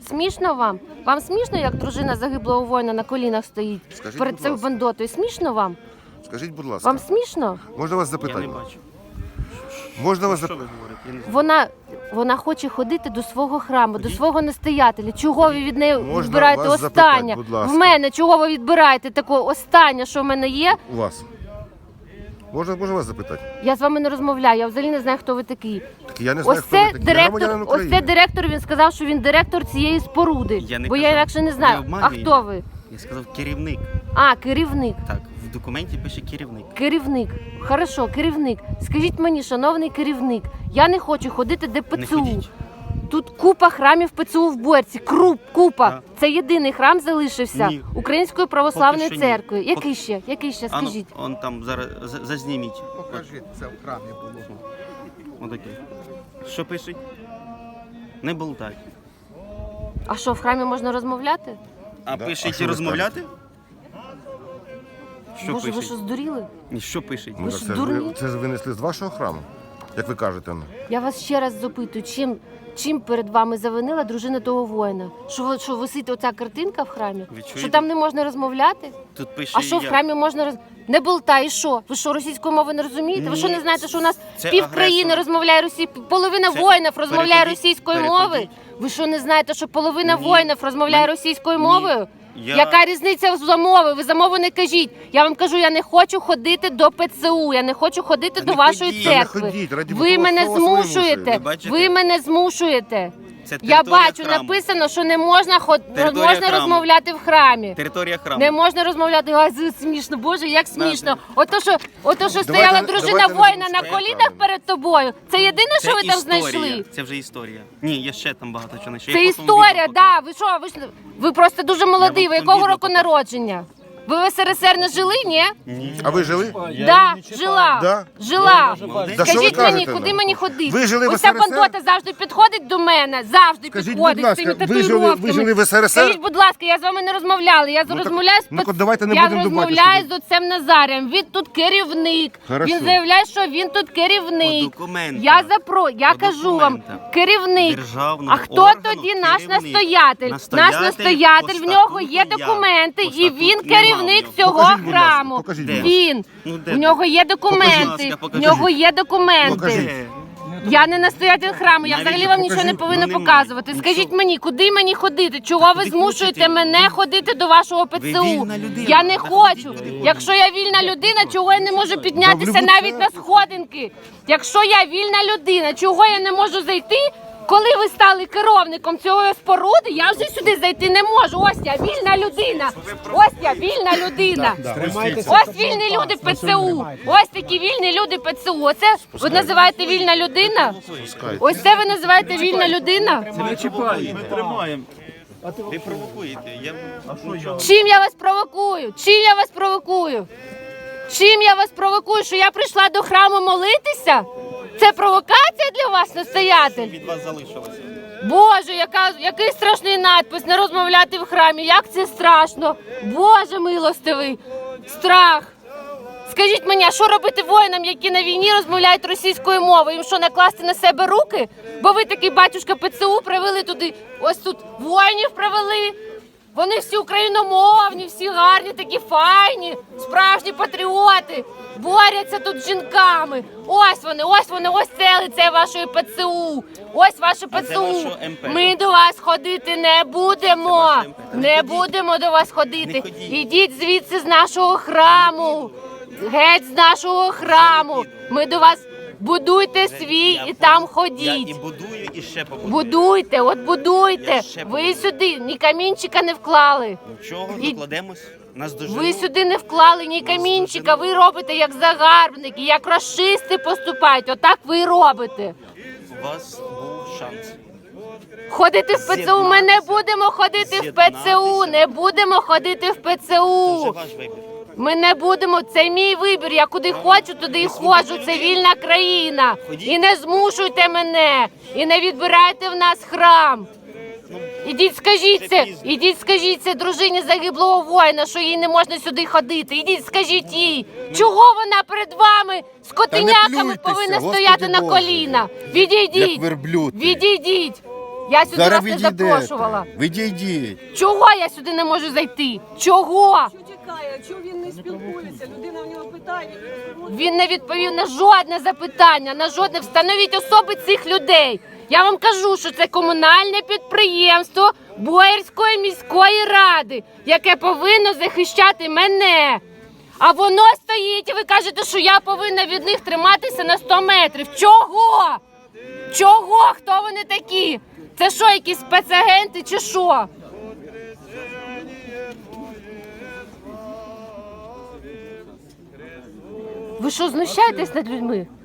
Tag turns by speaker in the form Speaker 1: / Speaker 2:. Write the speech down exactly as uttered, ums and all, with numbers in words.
Speaker 1: Смішно вам? Вам смішно, як дружина загиблого воїна на колінах стоїть
Speaker 2: Скажіть,
Speaker 1: перед
Speaker 2: будь
Speaker 1: цією
Speaker 2: ласка.
Speaker 1: бандотою? Смішно вам?
Speaker 2: Скажіть, будь ласка,
Speaker 1: Вам смішно?
Speaker 2: можна вас
Speaker 3: Я не
Speaker 2: запитати?
Speaker 3: бачу.
Speaker 2: Можна вас
Speaker 3: Що
Speaker 2: запитати?
Speaker 3: ви говорите? Я не знаю.
Speaker 1: Вона, вона хоче ходити до свого храму, до свого настоятеля. Чого ви від неї
Speaker 2: Можна
Speaker 1: відбираєте
Speaker 2: вас
Speaker 1: останнє?
Speaker 2: запитати, будь ласка?
Speaker 1: В мене чого ви відбираєте таке останнє, що в мене є?
Speaker 2: У вас. Можна, можна вас запитати?
Speaker 1: Я з вами не розмовляю, я взагалі не знаю, хто ви такий.
Speaker 2: Так я не знаю,
Speaker 1: Ось
Speaker 2: хто ви
Speaker 1: це
Speaker 2: такі. Я
Speaker 1: директор,
Speaker 2: громадянин
Speaker 1: ось
Speaker 2: України.
Speaker 1: це директор, він сказав, що він директор цієї споруди.
Speaker 3: Я не
Speaker 1: бо я
Speaker 3: казав.
Speaker 1: інакше не
Speaker 3: Не
Speaker 1: знаю. А
Speaker 3: обманюй.
Speaker 1: хто ви?
Speaker 3: Я сказав керівник.
Speaker 1: А, керівник.
Speaker 3: Так, в документі пише керівник.
Speaker 1: Керівник. Хорошо, керівник. Скажіть мені, шановний керівник, я не хочу ходити де
Speaker 3: Не
Speaker 1: ПЦУ.
Speaker 3: ходіть.
Speaker 1: Тут купа храмів ПЦУ в Борці. Круп, купа.
Speaker 3: Так.
Speaker 1: Це єдиний храм залишився
Speaker 3: Ні.
Speaker 1: Української православної
Speaker 3: Поки що ні.
Speaker 1: церкви.
Speaker 3: Поки-
Speaker 1: Який ще? Який ще?
Speaker 3: А ну,
Speaker 1: Скажіть.
Speaker 3: он там зараз за- зазніміть.
Speaker 4: Покажіть, це в храмі було.
Speaker 3: Отаке. Що пишуть? Не болтай.
Speaker 1: А що, в храмі можна розмовляти?
Speaker 3: А
Speaker 2: Да? А
Speaker 3: пишуть
Speaker 2: що
Speaker 3: і
Speaker 2: ви
Speaker 3: розмовляти? Що
Speaker 1: Боже, ви
Speaker 3: пишуть?
Speaker 1: що, здуріли?
Speaker 3: Ні, що пишуть?
Speaker 2: Ну,
Speaker 1: Ви
Speaker 2: так
Speaker 1: що,
Speaker 2: це, ж
Speaker 1: дурні?
Speaker 2: ви, це ж винесли з вашого храму, як ви кажете. ну.
Speaker 1: Я вас ще раз запитую, чим, чим перед вами завинила дружина того воїна? Що, ви- що висить оця картинка в храмі?
Speaker 3: Ви чуєте?
Speaker 1: Що там не можна розмовляти?
Speaker 3: Тут пише
Speaker 1: А що в
Speaker 3: я.
Speaker 1: храмі можна роз... Не болтай, і що? Ви що, російської мови не розумієте? Ви що
Speaker 3: Ні,
Speaker 1: не знаєте, що у нас
Speaker 3: це
Speaker 1: пів країни
Speaker 3: агресор.
Speaker 1: розмовляє російською, половина
Speaker 3: Це-
Speaker 1: воїнів розмовляє
Speaker 3: переходіть,
Speaker 1: російською
Speaker 3: переходіть.
Speaker 1: мовою? Ви що не знаєте, що половина
Speaker 3: Ні.
Speaker 1: воїнів розмовляє
Speaker 3: Мен-
Speaker 1: російською
Speaker 3: Ні.
Speaker 1: мовою?
Speaker 3: Я-
Speaker 1: Яка різниця за мови? Ви за мову не кажіть. Я вам кажу, я не хочу ходити до ПЦУ, я не хочу ходити
Speaker 3: Та
Speaker 1: до
Speaker 3: не
Speaker 1: вашої
Speaker 3: ходіть.
Speaker 1: церкви.
Speaker 2: Та не ходіть, раді
Speaker 1: Ви
Speaker 2: Бога,
Speaker 1: мене
Speaker 2: хто вас вимушує?
Speaker 1: змушуєте.
Speaker 3: Ви бачите?
Speaker 1: Ви мене змушуєте.
Speaker 3: Це
Speaker 1: Я
Speaker 3: територія
Speaker 1: бачу,
Speaker 3: храму.
Speaker 1: написано, що не можна ход...
Speaker 3: Територія
Speaker 1: можна
Speaker 3: храму.
Speaker 1: розмовляти в храмі.
Speaker 3: Територія храму.
Speaker 1: Не можна розмовляти. Ай, це смішно, Боже, як смішно. Ото що, ото що
Speaker 2: Давайте-
Speaker 1: стояла дружина
Speaker 2: давайте не
Speaker 1: воїна на
Speaker 2: допускаємо
Speaker 1: колінах
Speaker 2: правильно.
Speaker 1: перед тобою. Це єдине,
Speaker 3: Це
Speaker 1: що ви там
Speaker 3: історія.
Speaker 1: знайшли.
Speaker 3: Це вже історія. Ні, є ще там багато чого знайшов.
Speaker 1: Це
Speaker 3: Я потім
Speaker 1: історія,
Speaker 3: відео
Speaker 1: да. Ви що? Ви ж ви просто дуже молодий.
Speaker 3: Я
Speaker 1: Ви
Speaker 3: вам
Speaker 1: якого
Speaker 3: відео
Speaker 1: року
Speaker 3: покажу.
Speaker 1: народження? Ви в СРСР не жили, ні?
Speaker 2: А ви жили?
Speaker 1: Да, жила.
Speaker 2: Да?
Speaker 1: Жила.
Speaker 3: Молодець.
Speaker 2: Да що ви
Speaker 1: Скажіть мені,
Speaker 2: кажете
Speaker 1: куди
Speaker 2: нам?
Speaker 1: мені ходити?
Speaker 2: Ви жили в
Speaker 1: Ось ця
Speaker 2: СРСР?
Speaker 1: бандота завжди підходить до мене, завжди
Speaker 2: Скажіть,
Speaker 1: підходить
Speaker 2: будь
Speaker 1: з цими
Speaker 2: ласка, ви жили-
Speaker 1: татуїровками.
Speaker 2: ви жили в СРСР?
Speaker 1: Скажіть, будь ласка, я з вами не розмовляла. Я
Speaker 2: так-
Speaker 1: розмовляю з
Speaker 2: ну,
Speaker 1: пац-
Speaker 2: давайте не
Speaker 1: я
Speaker 2: будемо до
Speaker 1: розмовляю
Speaker 2: батюшки.
Speaker 1: з отцем Назарем. Він тут керівник.
Speaker 2: Хорошо.
Speaker 1: Він заявляє, що він тут керівник.
Speaker 3: По документах.
Speaker 1: Я запро, я
Speaker 3: По
Speaker 1: кажу вам,
Speaker 3: документах.
Speaker 1: керівник.
Speaker 3: Державного
Speaker 1: А хто
Speaker 3: органу
Speaker 1: тоді наш
Speaker 3: керівник.
Speaker 1: настоятель?
Speaker 3: Настоятель
Speaker 1: Наш настоятель,
Speaker 3: по
Speaker 1: в нього є
Speaker 3: статуту я.
Speaker 1: документи,
Speaker 3: По
Speaker 1: і
Speaker 3: статуту
Speaker 1: він
Speaker 3: нема
Speaker 1: керівник
Speaker 3: в нього.
Speaker 1: цього
Speaker 2: Покажіть, будь ласка,
Speaker 1: храму.
Speaker 2: покажіть,
Speaker 3: Де?
Speaker 2: будь
Speaker 1: Він.
Speaker 3: Ну, де
Speaker 1: В нього є
Speaker 3: Будь
Speaker 1: документи.
Speaker 3: ласка,
Speaker 1: В
Speaker 3: покажіть.
Speaker 1: нього є документи.
Speaker 2: Покажіть.
Speaker 3: Де?
Speaker 1: Я не настоятель храму, я
Speaker 3: Навіть
Speaker 1: взагалі вам нічого не
Speaker 2: покажіть.
Speaker 1: повинна
Speaker 3: Ну, немає.
Speaker 1: показувати.
Speaker 3: Нічого.
Speaker 1: Скажіть мені, куди мені ходити? Чого ви
Speaker 3: куди
Speaker 1: змушуєте
Speaker 3: хочете?
Speaker 1: мене
Speaker 3: Ви-
Speaker 1: ходити до вашого ПЦУ?
Speaker 3: вільна людина.
Speaker 1: Я не
Speaker 3: Та
Speaker 1: хочу.
Speaker 3: ходіть, куди хочете.
Speaker 1: Якщо я вільна людина, чого я не можу піднятися
Speaker 2: любу
Speaker 1: навіть на
Speaker 2: церкву.
Speaker 1: сходинки? Якщо я вільна людина, чого я не можу зайти? Коли ви стали керівником цієї споруди, я вже сюди зайти не можу. Ось я вільна людина. Ось я вільна людина. Ось вільні люди ПЦУ. Ось такі вільні люди ПЦУ. Оце ви називаєте вільна людина?
Speaker 2: Пускайте.
Speaker 1: Ось це ви називаєте вільна людина?
Speaker 3: Ми тримаємо. Ви провокуєте. Я...
Speaker 1: Чим я вас провокую? Чим я вас провокую? Чим я вас провокую? Що я прийшла до храму молитися? Це провокація для вас, настоятель?
Speaker 3: Від вас залишилося.
Speaker 1: Боже, яка, який страшний надпис, не розмовляти в храмі. Як це страшно. Боже милостивий. Страх. Скажіть мені, а що робити воїнам, які на війні розмовляють російською мовою? Їм що, накласти на себе руки? Бо ви такий батюшка ПЦУ привели туди, ось тут воїнів привели. Вони всі україномовні, всі гарні, такі файні, справжні патріоти. Борються тут з жінками. Ось вони, ось вони, ось це лице вашої ПЦУ. Ось ваше
Speaker 3: А це
Speaker 1: ПЦУ.
Speaker 3: вашого ем пе.
Speaker 1: Ми до вас ходити не будемо.
Speaker 3: ваше ем пе.
Speaker 1: Не
Speaker 3: ходіть.
Speaker 1: будемо до вас ходити.
Speaker 3: Не ходіть.
Speaker 1: Ідіть звідси з нашого храму. Геть з нашого храму. Ми до вас будуйте свій
Speaker 3: Я
Speaker 1: і там
Speaker 3: Я і
Speaker 1: ходіть.
Speaker 3: будую, і ще побудую.
Speaker 1: Будуйте, от будуйте.
Speaker 3: Я ще
Speaker 1: Ви
Speaker 3: побудую.
Speaker 1: сюди ні камінчика не вклали.
Speaker 3: Нічого,
Speaker 1: І-
Speaker 3: докладемось. Нас доживуть.
Speaker 1: Ви сюди не вклали ні камінчика. Ви робите як загарбники, як расисти поступають. Отак ви і робите.
Speaker 3: У вас був шанс.
Speaker 1: Ходити в ПЦУ. Ми не будемо ходити в ПЦУ.
Speaker 3: З'єднатися.
Speaker 1: Не будемо ходити в
Speaker 3: Це
Speaker 1: ПЦУ.
Speaker 3: вже ваш вибір.
Speaker 1: Ми не будемо, це мій вибір. Я куди хочу, туди і ходжу. Це вільна країна.
Speaker 3: Ходіть.
Speaker 1: І не змушуйте мене. І не відбирайте в нас храм. Ідіть, скажіть
Speaker 3: Вже
Speaker 1: це,
Speaker 3: пізно.
Speaker 1: ідіть, скажіть це дружині загиблого воїна, що їй не можна сюди ходити. Ідіть, скажіть їй, чого вона перед вами з котеняками
Speaker 2: плюйтеся,
Speaker 1: повинна
Speaker 2: Господи
Speaker 1: стояти на
Speaker 2: Боже.
Speaker 1: коліна. Відійдіть,
Speaker 2: Як верблюд.
Speaker 1: відійдіть. Я сюди
Speaker 5: Зараз
Speaker 1: вас не
Speaker 5: відійдете.
Speaker 1: запрошувала.
Speaker 5: Відійдіть.
Speaker 1: Чого я сюди не можу зайти? Чого?
Speaker 6: Що чекає? Чого він не спілкується? Людина в нього питає.
Speaker 1: Він не відповів на жодне запитання, на жодне. Встановіть особи цих людей. Я вам кажу, що це комунальне підприємство Боярської міської ради, яке повинно захищати мене. А воно стоїть, і ви кажете, що я повинна від них триматися на сто метрів. Чого? Чого? Хто вони такі? Це що, якісь спецагенти чи що? Ви що, знущаєтесь над людьми?